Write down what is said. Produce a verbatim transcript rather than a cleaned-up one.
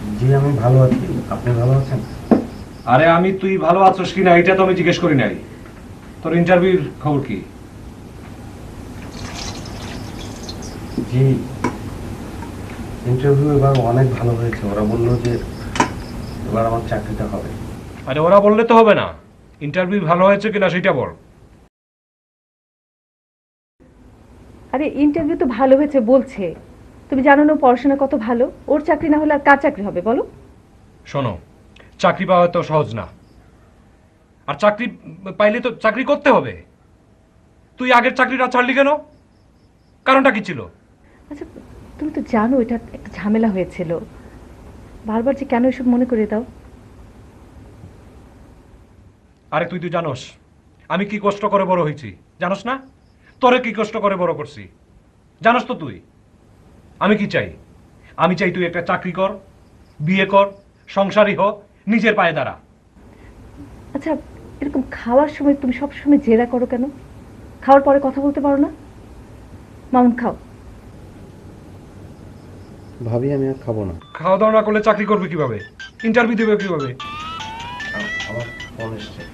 জি আমি ভালো আছি, আপনি ভালো আছেন? আরে আমি তুই ভালো আছিস কিনা এটা তো আমি জিজ্ঞেস করি নাই। তোর ইন্টারভিউর খবর কি? জি ইন্টারভিউ এবার অনেক ভালো হয়েছে, ওরা বললো যে এবার আমার চাকরিটা হবে। আরে ওরা বললে তো হবে না, ইন্টারভিউ ভালো হয়েছে কিনা সেটা বল। আরে ইন্টারভিউ তো ভালো হয়েছে বলছে। তুমি জানো না ও পড়াশোনা কত ভালো, ওর চাকরি না হলে আর কার চাকরি হবে বলো? শোনো, চাকরি পাওয়া তো সহজ না, আর চাকরি পাইলে তো চাকরি করতে হবে। তুই আগের চাকরিটা ছাড়লি কেন? কারণটা কি ছিল? আচ্ছা, তুমি তো জানো এটা একটা ঝামেলা হয়েছিল, বারবার যে কেন এসব মনে করে দাও? আরে তুই তুই জানোস আমি কি কষ্ট করে বড় হয়েছি, জানোস না? তোরে কি কষ্ট করে বড় করছি জানোস তো তুই। আমি কি চাই? আমি চাই তুই একটা চাকরি কর, বিয়ে কর, সংসারী হ, নিজের পায়ে দাঁড়া। আচ্ছা, এরকম খাওয়ার সময় তুমি সব সময় জেরা করো কেন? খাওয়ার পরে কথা বলতে পারো না? মামুন খাও। ভাবি আমি আর খাবো না। খাওয়া দাওয়া না করলে চাকরি করবে কিভাবে? ইন্টারভিউ দেবে কিভাবে? আ- আমার ফোন এসছে।